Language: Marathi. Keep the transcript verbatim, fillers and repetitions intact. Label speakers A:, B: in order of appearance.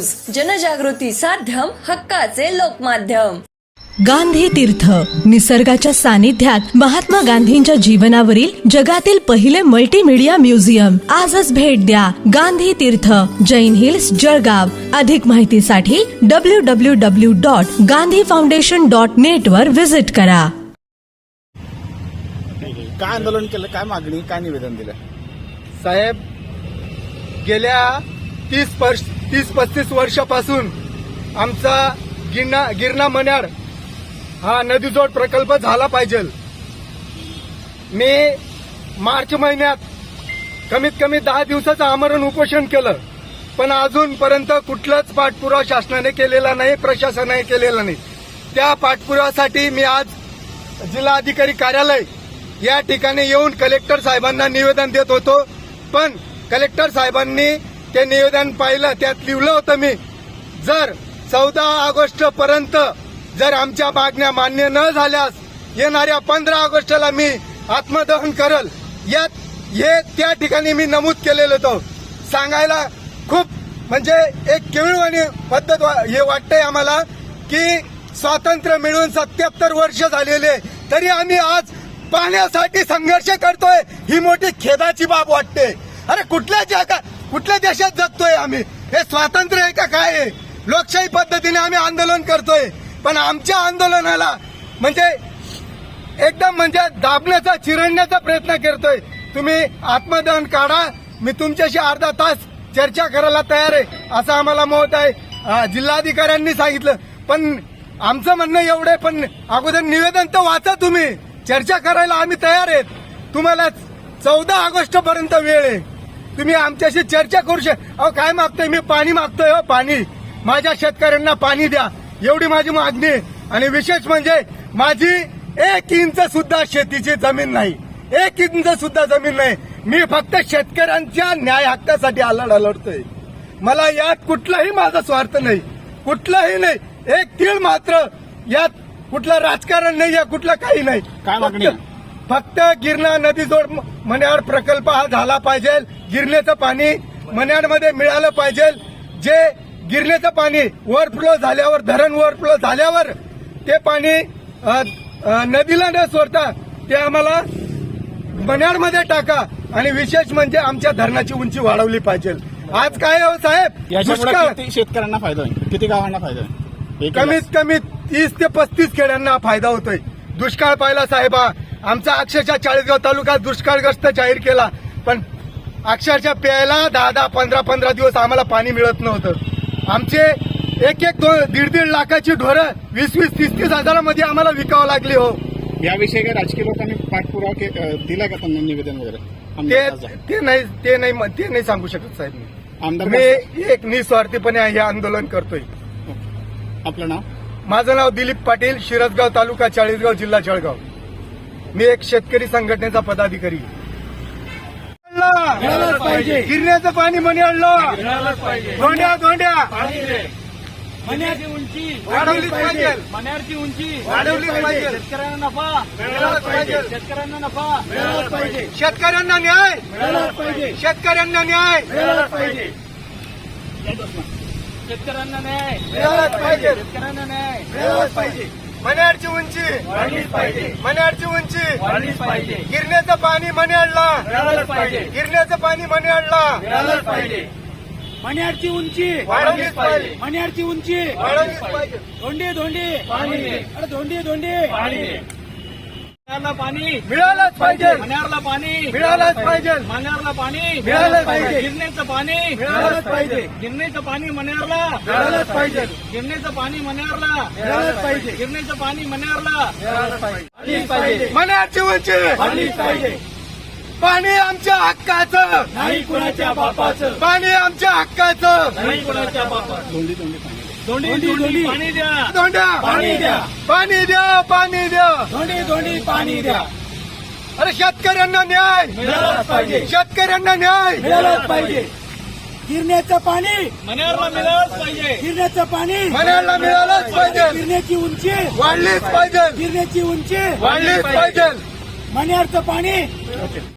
A: न्यूज, जनजागृती साध्यम, हक्काचे लोकमाध्यम।
B: गांधी तीर्थ, निसर्गाच्या सानिध्यात महात्मा गांधींच्या जीवनावरील जगातील पहिले मल्टीमीडिया म्युझियम। आजच भेट द्या गांधी तीर्थ, जैन हिल्स, जळगाव। अधिक माहितीसाठी W W W dot Gandhi foundation dot net वर विजिट करा।
C: काय आंदोलन केलं, काय मागणी, काय निवेदन दिलं?
D: साहेब, गेल्या तीस वर्ष तीस पस्तीस वर्षापासून आमचा गिरणा गिरणा मन्याड हा नदीजोड प्रकल्प झाला पाहिजे। मी मार्च महिन्यात कमीत कमी दहा दिवसाचं आमरण उपोषण केलं, पण अजूनपर्यंत कुठलाच पाठपुरावा शासनाने केलेला नाही, प्रशासनाने केलेला नाही। त्या पाठपुराव्यासाठी मी आज जिल्हाधिकारी कार्यालय या ठिकाणी येऊन कलेक्टर साहेबांना निवेदन देत होतो, पण कलेक्टर साहेबांनी ते निवेदन पाहिलं, त्यात लिहिलं होतं मी जर चौदा ऑगस्ट पर्यंत जर आमच्या मागण्या मान्य न झाल्यास येणाऱ्या पंधरा ऑगस्टला मी आत्मदहन करल, यात हे त्या ठिकाणी मी नमूद केलेलं होतं। सांगायला खूप म्हणजे एक केविळवाणी पद्धत हे वाटतंय आम्हाला की स्वातंत्र्य मिळून सत्याहत्तर वर्ष झालेले तरी आम्ही आज पाण्यासाठी संघर्ष करतोय, ही मोठी खेदाची बाब वाटते। अरे कुठल्या जगा कुठल्या देशात जगतोय आम्ही? हे स्वातंत्र्य आहे का काय आहे? लोकशाही पद्धतीने आम्ही आंदोलन करतोय, पण आमच्या आंदोलनाला म्हणजे एकदम म्हणजे दाबण्याचा, चिरडण्याचा प्रयत्न करतोय। तुम्ही आत्मदहन काढा, मी तुमच्याशी अर्धा तास चर्चा करायला तयार आहे असं आम्हाला मत आहे, जिल्हाधिकाऱ्यांनी सांगितलं। पण आमचं म्हणणं एवढं आहे, पण अगोदर निवेदन तर वाचा तुम्ही, चर्चा करायला आम्ही तयार आहेत। तुम्हाला चौदा ऑगस्ट पर्यंत वेळ आहे, तुम्ही आमच्याशी चर्चा करू शकता। अहो काय मागतोय मी? पाणी मागतोय हो, पाणी। माझ्या शेतकऱ्यांना पाणी द्या, एवढी माझी मागणी आहे। आणि विशेष म्हणजे माझी एक इंच सुद्धा शेतीची जमीन नाही, एक इंच सुद्धा जमीन नाही। मी फक्त शेतकऱ्यांच्या न्याय हक्कासाठी आलडा लढतोय। मला यात कुठलाही माझा स्वार्थ नाही, कुठलाही नाही, एक तीळ मात्र यात कुठलं राजकारण नाही, या कुठलं काही नाही।
C: काय मागणी?
D: फक्त गिरणा नदीजोड मन्याड प्रकल्प हा झाला पाहिजे, गिरणेचं पाणी मन्याडमध्ये मिळालं पाहिजे। जे गिरणेचं पाणी ओव्हरफ्लो झाल्यावर, धरण ओव्हरफ्लो झाल्यावर ते पाणी नदीला न सोडता ते आम्हाला मन्याडमध्ये टाका। आणि विशेष म्हणजे आमच्या धरणाची उंची वाढवली पाहिजे। आज काय हो साहेब,
C: याच्यामुळे किती शेतकऱ्यांना फायदा होईल, किती गावांना फायदा होईल?
D: कमीत कमी तीस ते पस्तीस खेड्यांना फायदा होतोय। दुष्काळ पाहिला साहेबा, आमचा अक्षरशः चाळीसगाव तालुका दुष्काळग्रस्त जाहीर केला, पण अक्षरशः प्यायला दहा दहा पंधरा पंधरा दिवस आम्हाला पाणी मिळत नव्हतं। आमचे एक एक दोन दीड दीड लाखाची ढोरं वीस वीस तीस तीस हजारामध्ये आम्हाला विकावं लागली हो।
C: याविषयी काही राजकीय लोकांनी पाठपुरावा दिला का त्यांना, निवेदन वगैरे?
D: ते ते नाही ते नाही ते नाही सांगू शकत साहेब। मी
C: आमदार
D: मी एक निस्वार्थीपणे हे आंदोलन करतोय।
C: आपलं नाव?
D: माझं नाव दिलीप पाटील, शिरसगाव तालुका चाळीसगाव, जिल्हा जळगाव। मी एक शेतकरी संघटनेचा पदाधिकारी। गिरण्याचं पाणी मनी आणलं, धोंड्या धोंड्या
E: मन्याची उंची
D: वाढवलीच पाहिजे,
E: मन्याची उंची
D: वाढवलीच पाहिजे।
E: शेतकऱ्यांना नफा
D: मिळालाच पाहिजे,
E: शेतकऱ्यांना नफा
D: मिळालाच पाहिजे। शेतकऱ्यांना न्याय
E: मिळालाच पाहिजे,
D: शेतकऱ्यांना न्याय
E: मिळालाच पाहिजे, शेतकऱ्यांना न्याय
D: मिळालाच पाहिजे,
E: शेतकऱ्यांना न्याय
D: मिळालाच पाहिजे। मन्याडची उंची
E: वाढलीच पाहिजे,
D: मन्याडची उंची
E: वाढलीच पाहिजे,
D: गिरण्याचं पाणी मन्याडला
E: मिळालंच पाहिजे,
D: गिरण्याचं पाणी मन्याडला
E: मिळालंच पाहिजे। मन्याची उंची
D: वाढवलीच पाहिजे,
E: मन्याची उंची
D: वाढवलीच पाहिजे।
E: धोंडी धोंडी पाणी दे, अरे धोंडी धोंडी पाणी दे, मन्यारला पाणी
D: मिळालंच पाहिजे,
E: मन्यारला पाणी
D: मिळालंच पाहिजे,
E: मन्यारला पाणी
D: मिळालंच पाहिजे।
E: गिरणेचं पाणी
D: मिळालंच पाहिजे,
E: गिरणेचं पाणी मन्यारला
D: मिळालंच पाहिजे,
E: गिरणेचं पाणी मन्यारला
D: मिळालंच पाहिजे,
E: गिरणेचं पाणी मन्यारला
D: मिळालंच पाहिजे।
E: वाढलीच पाहिजे,
D: मन्याडची उंची
E: वाढलीच पाहिजे,
D: पाणी आमच्या हक्काचं,
E: नाही कुणाच्या बापाचं,
D: पाणी आमच्या हक्काचं।
E: नाही कुणाच्या बापाचं,
C: दोंडी दोंडी पाणी
E: धोंडी धोंडी पाणी द्या,
D: धोंड्या
E: पाणी द्या,
D: पाणी द्या, पाणी द्या।
E: धोंडी धोंडी पाणी द्या,
D: अरे शेतकऱ्यांना न्याय
E: मिळालाच पाहिजे,
D: शेतकऱ्यांना न्याय
E: मिळालाच पाहिजे। गिरण्याचं पाणी मन्यारला मिळालंच पाहिजे, गिरण्याचं पाणी
D: मन्याडला मिळालंच पाहिजे,
E: गिरण्याची उंची
D: वाढलीच पाहिजे,
E: गिरण्याची उंची
D: वाढलीच पाहिजे।
E: मन्यारचं पाणी